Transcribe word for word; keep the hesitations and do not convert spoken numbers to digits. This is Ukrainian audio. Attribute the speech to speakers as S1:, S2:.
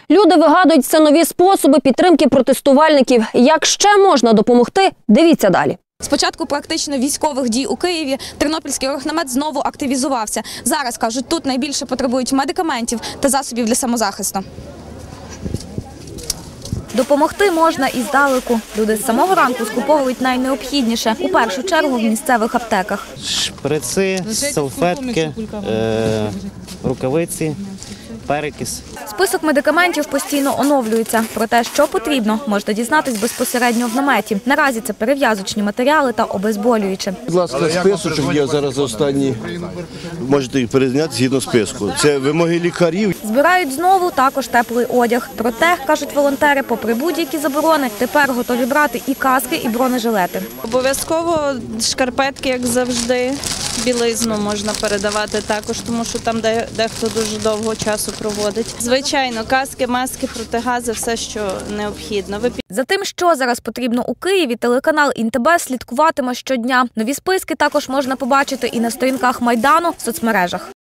S1: Люди вигадують все нові способи підтримки протестувальників. Як ще можна допомогти? Дивіться далі.
S2: З початку практично військових дій у Києві Тернопільський оргнамет знову активізувався. Зараз, кажуть, тут найбільше потребують медикаментів та засобів для самозахисту. Допомогти можна і здалеку. Люди з самого ранку скуповують найнеобхідніше, у першу чергу в місцевих аптеках.
S3: Шприци, салфетки, е рукавиці, перекис.
S2: Список медикаментів постійно оновлюється. Про те, що потрібно, можна дізнатись безпосередньо в наметі. Наразі це перев'язочні матеріали та обезболюючі.
S4: Будь ласка, списочок є зараз останній. Можете їх перезняти згідно списку. Це вимоги лікарів.
S2: Збирають знову також теплий одяг. Проте, кажуть волонтери, попри будь-які заборони, тепер готові брати і каски, і бронежилети.
S5: Обов'язково шкарпетки, як завжди. Білизну можна передавати також, тому що там дехто дуже довго часу проводить. Звичайно, каски, маски, протигази – все, що необхідно.
S2: За тим, що зараз потрібно у Києві, телеканал ІНТБ слідкуватиме щодня. Нові списки також можна побачити і на сторінках Майдану в соцмережах.